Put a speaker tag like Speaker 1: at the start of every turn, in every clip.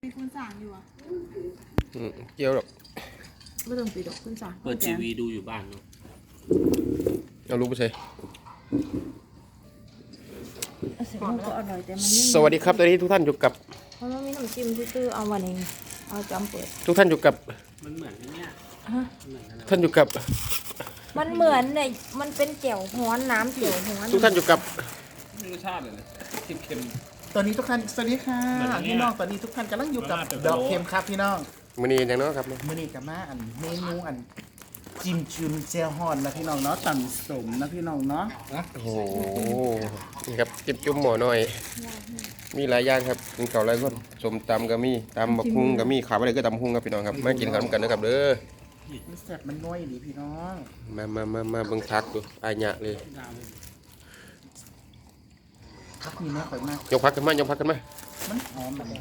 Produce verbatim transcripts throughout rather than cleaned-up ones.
Speaker 1: มีคุณสั่งอยู่อ่ะ
Speaker 2: อืมเกี่ยวหรอก
Speaker 3: ไม่ต้องปิดดอกคุณสั่ง
Speaker 4: เปิดทีวีดูอยู่บ้านเนาะ
Speaker 2: เอาลูกไปใส่
Speaker 3: เสียงก็อร่อยแต่มัน
Speaker 2: สวัสดีครับตอนนี้ทุกท่านอยู่กับ
Speaker 3: เพราะว่ามีน้ำจิ้มซื่อๆเอาวันเองเอาจำเปิด
Speaker 2: ทุกท่านอยู่กับ
Speaker 4: มันเหมือนเนี่ย
Speaker 2: ท่านอยู่กับ
Speaker 3: มันเหมือนเนี่ยมันเป็นเจียวฮ้อนน้ำเจียวฮ้อน
Speaker 2: ทุกท่านอยู่กับ
Speaker 4: รสชาติเลยนะเค็ม
Speaker 5: ตอนนี้ทุกท่านสวัสดีค่ะพี่น้องตอนนี้ทุกท่านกำลังอยู่กับดอกเค็มครับพี่น้อง
Speaker 2: มื้อนี้อย่างน้อยครับ
Speaker 5: มื้อนี้กับมาอันเมนูอันจิ้มจุ่มเจียวฮ้อนนะพี่น้องเนาะต่ำสมนะพี่น้องเนาะ
Speaker 2: โอ้โหนี่ครับจิ้มจุ่มหม้อน้อยมีหลายอย่างครับกินข้าวหลายคนส้มตำก็มีตำบักหุ่งก็มีข้าวอะไรก็ตำบักหุ่งครับพี่น้องครับมากินข้าวกันนะครับเด้อ
Speaker 5: มันแซ่บมันน้อยดีพี่น้อง
Speaker 2: มามามามาเบิ่งพักดูอายะเลย
Speaker 5: พักนี่แม่ข่อยมาก
Speaker 2: ยกพักกันมายกพักกันมา
Speaker 5: มันหอมแบบ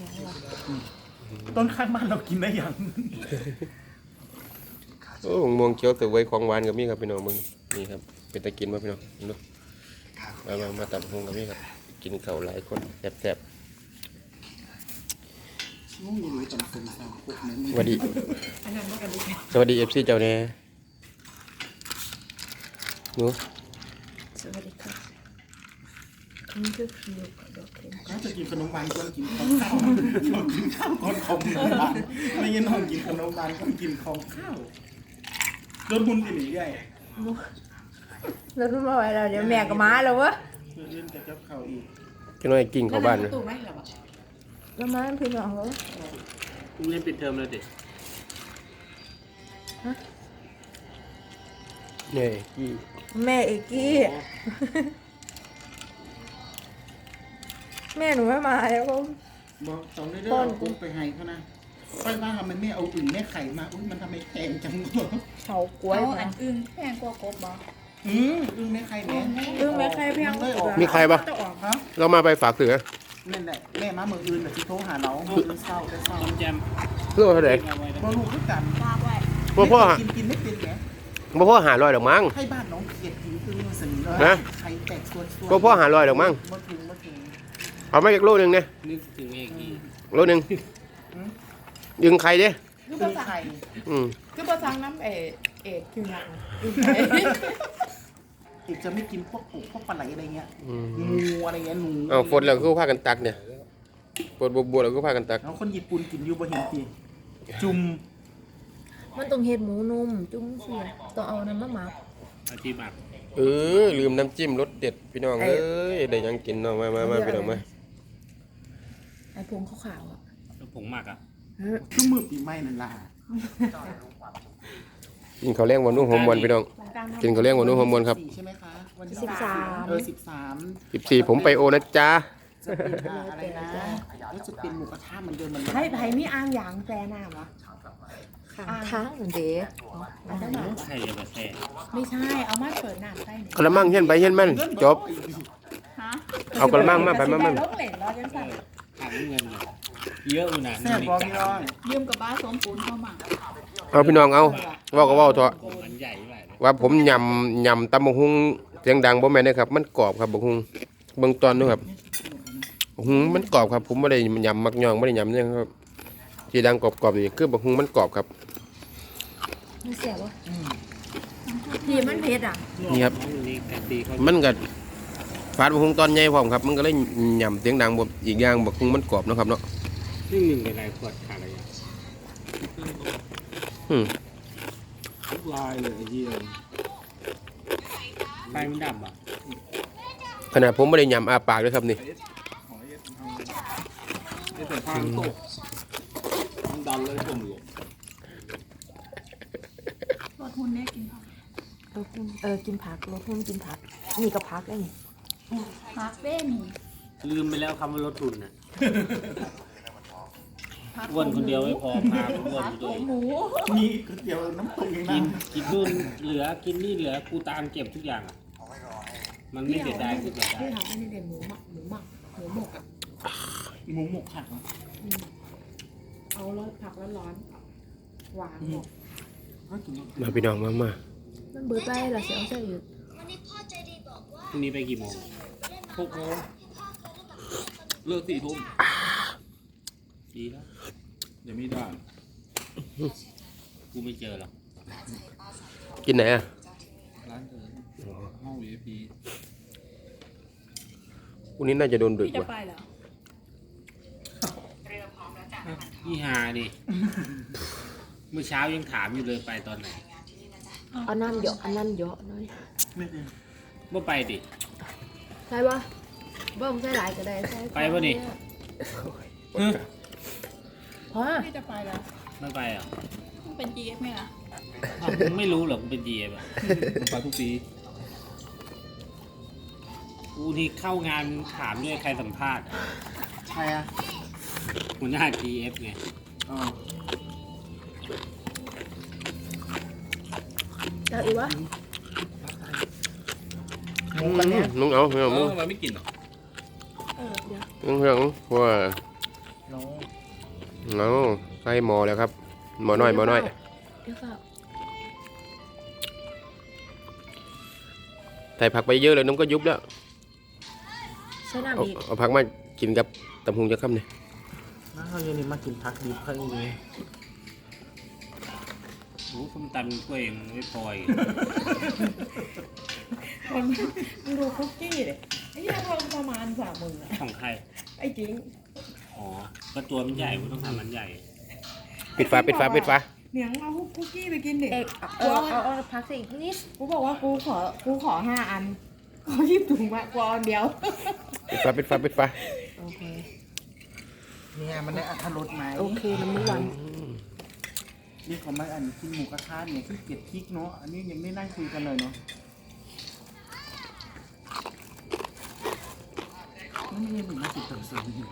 Speaker 5: ต้นข้างบ้านเรากินได้ยัง
Speaker 2: โอ้ม่วงเขียวเสือไว้ของหวานกับมีครับพี่น้องมึงนี่ครับเป็นตะกินมาพี่น้องดูมามามาตำบักหุ่งกับมีครับกินข้าวหลายคนแซ่บๆสวัสดีสวัสดีเอฟซีเจ้าแน่หนู
Speaker 3: สวัสดีครับนี่คือคิวกับดอกเค็ม
Speaker 5: เขาจะกินขนมหวานก่อนกินข้าวเรากินข้าวก่อนคอมบ้านไม่ยินน้องกินขนมหวานก่อนกินคอมข้าวโดนบุญกินหนีใหญ่
Speaker 3: แล้วรู้มาไว้เราเดี๋ยวแม่ก็มาแล้ววะ
Speaker 5: เล่นกับเจ้าเขาอีก
Speaker 2: จะน้อยกิ่งเข้าบ้านเลย
Speaker 3: แล้วมาพี่น้องเขา
Speaker 4: คุณเล่นปิดเทอมแล้วเด็ก
Speaker 2: เนี่ยกี่
Speaker 3: แม่เอกกี้แม่หนูไม่มาแล้วก็
Speaker 5: บอกตอนนี้ได้เอากุ้งไปให้เขานะค่อยว่ามันไม่เอาอึ่งแม่ไข่มาอุ้ยมันทำไมแพงจังเลย
Speaker 3: เขากล้วย
Speaker 1: อันอึ้งแพงกว่ากบบ่
Speaker 5: อืมอึ่งแม่ไข่แม่
Speaker 3: อึ้งแม่ไข่แพง
Speaker 2: มีใครปะเรามาไปฝากเสือ
Speaker 5: นั่นแหละแม่มาเมื่ออื่นแต่ที่โทรหาเราเมื่ออื่นเศร้าแต่เศร้า
Speaker 4: แจม
Speaker 2: เพื่อเท่าไหร่
Speaker 5: บอลูกด้วยกัน
Speaker 2: พ่อพ่อ
Speaker 5: กินกินไม่เป็นไง
Speaker 2: พ่อพ่อหาลอยดอกมั้ง
Speaker 5: ให้บ้านน้องเขียดกินคือมันสนิทเลยไข่แตกส่วน
Speaker 2: ๆพ่อพ่อหาลอยดอกมั้ง
Speaker 5: มาถึงมาถึง
Speaker 2: เอาไม่อีกโลนึงเนี่ย
Speaker 4: นึกถึงเอกอี
Speaker 2: โลนึงยึงไข่ดิ
Speaker 1: คือภาษาไทย
Speaker 2: อืม
Speaker 1: คือภาษาน้ำเอกเอกคือหนัก
Speaker 5: อีกจะไม่กินพวกปูพวกปลาไหลอะไรเงี้ยงูอะไรเงี้ยหนู
Speaker 2: เอาฝนแล้วก็พากันตักเนี่ยฝนบัวๆแล้วก็พากันตัก
Speaker 5: แล้วคนญี่ปุ่นกินยูบะเห็นตีจุ่ม
Speaker 3: มันต้องเห็ดหมูนุ่มจุ้มเสียต้องเอาน้ำมะหมัก
Speaker 4: อาชีพหมัก
Speaker 2: เออลืมน้ำจิ้มรสเด็ดพี่น้องเอ้ยได้ยังกินเนาะมามามาพี่น้องมา
Speaker 3: ไอ้พงขาวๆอ่ะ
Speaker 4: ผงหมักอ่ะ
Speaker 5: คือมือปีใหม่นั่นล่ะ
Speaker 2: กินข้าวแรงวันนู้นหอมวันพี่น้องกินข้าวแรงวันนู้นหอมวันครับ
Speaker 5: ใช่ไหมคะวันที่
Speaker 3: สิบสาม
Speaker 5: เออสิบสาม
Speaker 2: สิบสี่ผมไปโอนะจ๊ะ
Speaker 5: จะเป็นอะไรนะแล้วจะเป็นหมูกระทะเหมือนเดิมมัน
Speaker 1: ให้ไผ่มีอ่างยางแปรหน้าวะ
Speaker 3: ข้างท้างเหมือนเด๋
Speaker 4: ใช่จะมาแซ่
Speaker 1: ไม่ใช่เอามาเปิดหน้าใต้
Speaker 2: กระมังเห็นไปเห็นมันจบเอากระมังมาไปมามัน
Speaker 1: ล้มเหลนรอจนสั่น
Speaker 4: ถามเงินเยอะอยู่นะ
Speaker 5: แซ่บบอกพี่น้อง
Speaker 1: ยืมกับบ้าสมปูนเข้ามา
Speaker 2: เอาพี่น้องเอาว่าก็ว่าเถอะ
Speaker 4: มันใหญ่ไป
Speaker 2: ว่าผมยำยำตำบักหุ่งเสียงดังบ่แม่นนะครับมันกรอบครับบักหุ่งเบิ่งตอนนู้ครับบักหุ่งมันกรอบครับผมไม่ได้ยำมักย่องไม่ได้ยำเนี่ยครับที่ดังกรอบๆนี่คือบักหุ่งมันกรอบครับ
Speaker 3: มันเสียวะพี่มันเผ็ดอ่ะ
Speaker 2: นี่ครับมันก็ฟาดบักหุ่งตอนใหญ่พร้อมครับมันก็เลยยำเสียงดังบ่อีกอย่างบักหุ่งมันกรอบนะครับเนาะ
Speaker 4: นี่หนึ่งในหลายขวดขาดอะไร
Speaker 2: อืม
Speaker 4: ลายเลยไอ้เหี้ยไฟมันดับอ่ะ
Speaker 2: ขนาดผมไม่ได้ยำอาปากเลยครับนี่
Speaker 4: แต่ฟางตกมันดันเลยผมหลบ
Speaker 1: รถหุ่นเนี่ยกินผัก
Speaker 3: รถหุ่นเออกินผักรถหุ่นกินผักนี่ก็ผักได้นี่
Speaker 1: ผักเบ้นี่
Speaker 4: ลืมไปแล้วคำว่ารถหุ่นน่ะวนคนเดียวไม่พอพาวนด้วย
Speaker 5: มีก๋วยเตี๋ยวน้ำตกอย่าง
Speaker 4: นั้
Speaker 5: น
Speaker 4: กินนู่นเหลือกินนี่เหลือกูตามเก็บทุกอย่างอ่ะมันไม่เสียดาย
Speaker 1: คือเสียดายที่ทำให้เด่นหมูหมักหมูหมักหมูหมกอ่ะ
Speaker 5: หมูหมกผัก
Speaker 1: เอาแล้วผักร้อนๆหวานหมก
Speaker 2: มาพี่น้องมามา
Speaker 3: มันเบื่อไปเหรอเสียงเสียอยู่
Speaker 4: พรุ่งนี้ไปกี่โมงหกโมงเลิกสี่ทุ่มดีแล้ว
Speaker 5: อย่ามีด่าน
Speaker 4: กูไม่เจอหรอก
Speaker 2: กินไหนอ่ะ
Speaker 5: ร้านเธอห้อง วี ไอ พี
Speaker 2: วันนี้น่าจะโดนดึก
Speaker 3: พี่จะ
Speaker 2: ว่ะ
Speaker 3: ไปเหรอ
Speaker 4: นี่ฮาดิเมื่อเช้ายังถามอยู่เลยไปตอนไหน
Speaker 3: อันนั้นเยอะอันนั้นเยอะหน่อย
Speaker 5: ไม่ได้
Speaker 4: เมื่อไปดิ
Speaker 3: ใช่ปะเบิ่มใส่หลายก็ได้ใส่
Speaker 4: ไปปะนี่
Speaker 3: ฮะ
Speaker 1: พี่จะไปแล้ว
Speaker 4: ไม่ไปอ่ะ
Speaker 1: มันเป็น จี เอฟ ไหมล่ะ
Speaker 4: อ้าวมึงไม่รู้หรอกกูเป็นจีเอฟอ่ะ
Speaker 5: ผมไปทุกปี
Speaker 4: กูที่เข้างานถามด้วยใครสัมภาษณ์อะ
Speaker 5: ใช่อ่ะ
Speaker 4: หัวหน้า จี เอฟ ไง
Speaker 5: อ๋อ
Speaker 3: แล้วอีกวะ
Speaker 2: อืมมึงเอามึง
Speaker 5: เอ
Speaker 2: เอามึ
Speaker 5: อง ทำไมไม่กินอ่ะ
Speaker 3: เออเดี๋ยว
Speaker 2: มึงเรื่องว่า
Speaker 5: น้อง
Speaker 2: เอาใส่หมอแล้วครับหมอน้อยหมอน้อย
Speaker 3: เดี๋ยวค่ะ
Speaker 2: ใส่ผักไปเยอะเลยน้องก็ยุบแล้ว
Speaker 3: ใส่
Speaker 2: เอา
Speaker 3: น้ำอีก
Speaker 2: เอาผักมากินกับตำหุงจะค่ำเนี่ย
Speaker 5: น้าเขาเย็นนี้มากินพักดิบข้างนี้
Speaker 4: โอ้ส้มตำกล้วยยังไม่พออีก
Speaker 1: มันมันดูคุกกี้เลยไอ้เหี้ยทำประมาณสามหมื่นอะ
Speaker 4: ของใคร
Speaker 1: ไอ้จริง
Speaker 4: อ๋อก็ตัวมันใหญ่กูต้องทำมันใหญ่
Speaker 2: ปิดฝาปิดฝาปิดฝา
Speaker 1: เหนียงเอาคุกกี้ไปกินดิ
Speaker 3: เอกเอาเอาเอาเอาพักสิอีกนิด
Speaker 1: กูบอกว่ากูขอกูขอห้าอันขอหยิบถุงมากว่าอันเดียว
Speaker 2: ปิดฝาปิดฝาปิดฝา
Speaker 3: โอเค
Speaker 5: เนี่ยมันได้อัตรสไหม
Speaker 3: โอเคน้ำมันวัน
Speaker 5: นี่เขาไม่อันกินหมูกระทะเนี่ยที่เก็บพริกเนาะ อันนี้ยังไม่นั่งคุยกันเลยเนาะไม่ใช่เหมือนมาติดต่อเสริมอยู่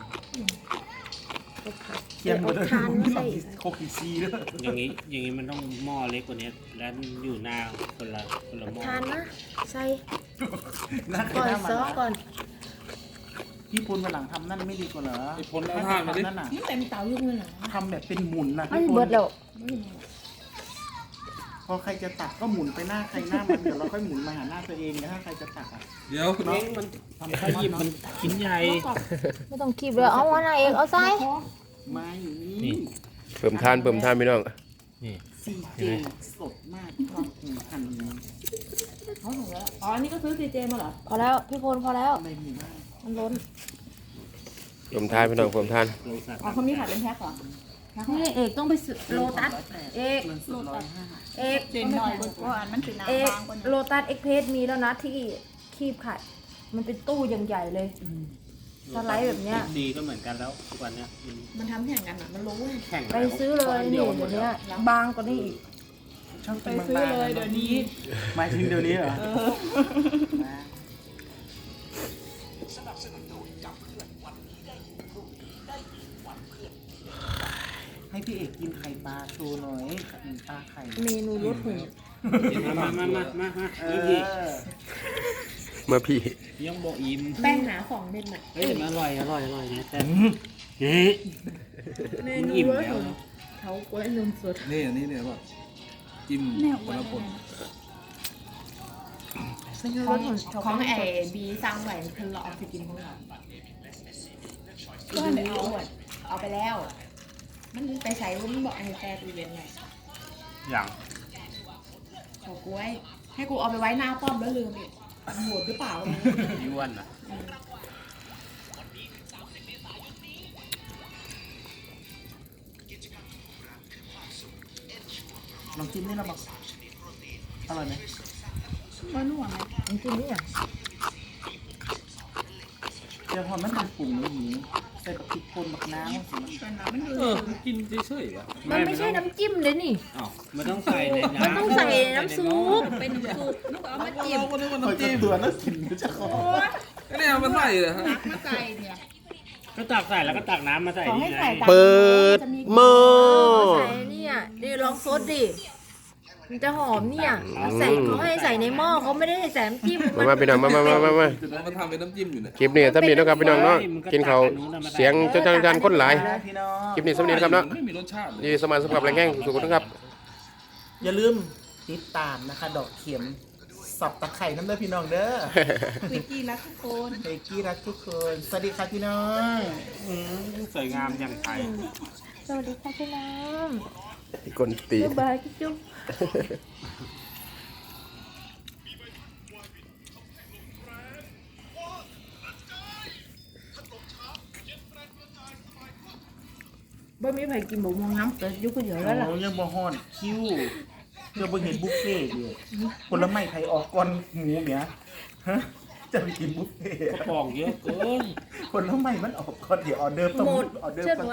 Speaker 5: เคียงหมดเลย
Speaker 3: ทานไม่ใส่อีก
Speaker 5: โคกิซีด้วย
Speaker 4: อย่างนี้อย่างนี้มันต้องหม้อเล็กกว่านี้แล้วอยู่หน้าคนละคนละหม้อ
Speaker 3: ทานนะใส่
Speaker 5: นั่น
Speaker 3: ก่อน
Speaker 5: หน้ามัน
Speaker 3: ซอก่อน
Speaker 5: พี่พลมาหลังทำนั่นไม่ดีกว่าเหรอ
Speaker 6: ไอ้พลเอาท่ามาดิ
Speaker 5: นั่นน่ะ
Speaker 1: นี่เต็มเตายุ่งเลยเหรอ
Speaker 5: ทำแบบเป็นหมุนนะ
Speaker 3: อัน
Speaker 5: พี่พ
Speaker 3: เบิ
Speaker 5: ล
Speaker 3: ดแล้ว
Speaker 1: ไม่มี
Speaker 5: พอใครจะตักก็หมุนไปหน้าใครหน้ามันเดี๋ยวเราค่อยหมุนมาหาหน้าตัวเองนะถ้าใครจะตักอ่ะ
Speaker 6: เดี๋ยวคุณ
Speaker 4: เองมัน
Speaker 5: ทำ
Speaker 4: ขยิบมันชิ้นใหญ่
Speaker 3: ไม่ต้องคีบเลยเอาอันไหนเอกเอาใส่
Speaker 5: ไม่
Speaker 4: นี่
Speaker 2: เพิ่มทานเพิ่มทานพี่น้อง
Speaker 4: นี่
Speaker 5: ซีเจสดมากความหูหั่น
Speaker 1: เขาถึงแล้วอ๋ออันนี้ก็ซื้อซีเจมาเหรอ
Speaker 3: พอแล้วพี่พลพอแล้ว
Speaker 5: ในหมู่บ้าน
Speaker 3: มันล้น
Speaker 2: เพิ่มทานพี่น้องเพิ่มทาน
Speaker 4: โลสัตว์
Speaker 1: อ๋อเขามีขายเป็นแพ็คเหรอ
Speaker 3: นี่เอกต้องไปซื้อโลตัสเอก
Speaker 5: เงินสดร้อยห้า
Speaker 3: เอก
Speaker 1: เจนหน่อยว่าอันมันเป็น
Speaker 3: เอก
Speaker 1: น้ำบางกว่านี้
Speaker 3: โลตัสเอ็กเพรสมีแล้วนะที่คีบไข่มันเป็นตู้อย่างใหญ่เลย สไลด์แบบเนี้ย
Speaker 4: ดีก็เหมือนกันแล้วทุกวันเนี้ยมัน
Speaker 1: มันทำแข่งกันอ่ะมันรู้ไง
Speaker 4: แข่ง
Speaker 3: ไปซื้อเลยนี่เดี๋ยวนี้บางกว่านี้อีก
Speaker 5: ชอบ
Speaker 1: ไป
Speaker 5: กิน
Speaker 1: ซื้อบ
Speaker 5: างๆ
Speaker 1: เลยเดี๋ยวนี้
Speaker 5: หมายถึงเดี๋ยวนี้เหรอ
Speaker 1: เออ
Speaker 5: ให้พี่เอกกินไข่ปลาโชว์หน่อยปลาไข่
Speaker 3: เมนูรสหู
Speaker 4: มามามามามา
Speaker 5: เอ
Speaker 4: นี่
Speaker 5: อ
Speaker 2: เมื่อพี่
Speaker 4: พี่ยังบอกอิ่ม
Speaker 1: แป้งหนาสองเม็ดน่ะ
Speaker 4: เฮ้ยมันอร่อยอร่อยอร่อยนะแต่เฮ้ย
Speaker 1: เม
Speaker 4: มัน
Speaker 1: นู
Speaker 4: อิ่ม
Speaker 1: รส
Speaker 4: แล้ว
Speaker 1: หูเขากล้วยนมสด
Speaker 6: นี่อันนี้เนี่ยว่าจิ้ม
Speaker 1: แนว
Speaker 6: คนละผล
Speaker 1: ของของไอ้บีสั่งไว้เพิ่นรอเอาไปกินของเราก็ไม่เอาอ่ะเอาไปแล้ว มันไปใช้ว่ามันบอกไอ้แต่ตู้เย็นไง
Speaker 4: อย่าง
Speaker 1: ขอกล้วย ให้กูเอาไปไว้หน้าป้อมแล้วลืมอีกมันโหดหรือเปล่าเนี่ย
Speaker 4: ย้วนอ่ะ
Speaker 5: ลองกินนี่เราบอกอร่อยไหม
Speaker 1: มันหวานไหม
Speaker 3: จริงๆนี่อ่ะ
Speaker 5: เดี๋ยวพอมันเป็นปุ่มแล้วหนีใส่กับพริกป่นบักน้ำสิมัน
Speaker 1: เป็นน้ำมันดู
Speaker 6: เออกินเฉยๆวะ
Speaker 3: มันไม่ใช่น้ำจิ้มเลยนี่
Speaker 4: อ้าวมันต้องใส่ในน้ำ
Speaker 3: มันต้องใส่น้ำซุป
Speaker 1: เป็นน้ำซุปลูกเอามาจิ้ม
Speaker 6: เราก็นึกว่า
Speaker 5: คอย
Speaker 6: น้ำ
Speaker 5: จะ
Speaker 6: จิ้ม
Speaker 5: ตัวน่ากินอยู่จะขอ
Speaker 6: ก็เนี่ยเอามันใส่เลยฮะ
Speaker 1: ตักมาใส่เนี่ย
Speaker 4: ก็ตักใส่แล้วก็ตักน้ำมาใส่
Speaker 1: ขอให้
Speaker 4: นี่ไง
Speaker 1: ใส่ตาม
Speaker 2: เปิดหม้อ
Speaker 3: ใส่เนี่ยนี่ลองซดดิมันจะหอมเนี่ยใส่เขาให้ใส่ในหม้อเขาไม่ได้ให้ใส่น้ำจิ้ม
Speaker 2: มามาพี่น้องมามามามามา
Speaker 6: เรามาทำเป็นน้ำจิ้มอยู่เนี่ย
Speaker 2: คลิปนี้ถ้ามีนะครับพี่น้องเนาะกินเขาวเสียงจนจังๆคนหลาย
Speaker 5: พี่น้อง
Speaker 2: คลิปนี้สำเนียงครับเนาะ
Speaker 6: ไม่มีรสชาติเลย
Speaker 2: ดีสมานสำหรับแรงแห้งสุขๆนะครับ
Speaker 5: อย่าลืมติดตามนะคะ ดอกเข็มสับตะไคร่น้ำเด้อพี่น้องเด้อ
Speaker 1: วิกกี้รักทุกคน
Speaker 5: เบกกี้รักทุกคนสวัสดีครับพี่น้อง
Speaker 4: อืมสวยงามอย่างไทย
Speaker 3: สวัสดีค่ะพี่น้อง
Speaker 2: คนตี
Speaker 3: บ๊ายบายจุ๊บ
Speaker 1: บ่มีใครกินบกมองน้ำแต่ยุคก็เยอะแล้วล่ะ
Speaker 5: โอ้ยังบ่ฮอนคิวเดี๋ยวบ่เห็นบุฟเฟ่ต์อยู่ผลไม้ไทยออกก่อนหมูเนี่ยฮะจะไปกินบุฟเฟ่ต์
Speaker 4: กระป๋องเยอะเกิน
Speaker 5: ผลไม้มันออกก่อนเดี๋ยวออเดอร์ต้อง
Speaker 3: หมด
Speaker 5: ออเดอร์
Speaker 3: เชื่อ
Speaker 5: ต้อง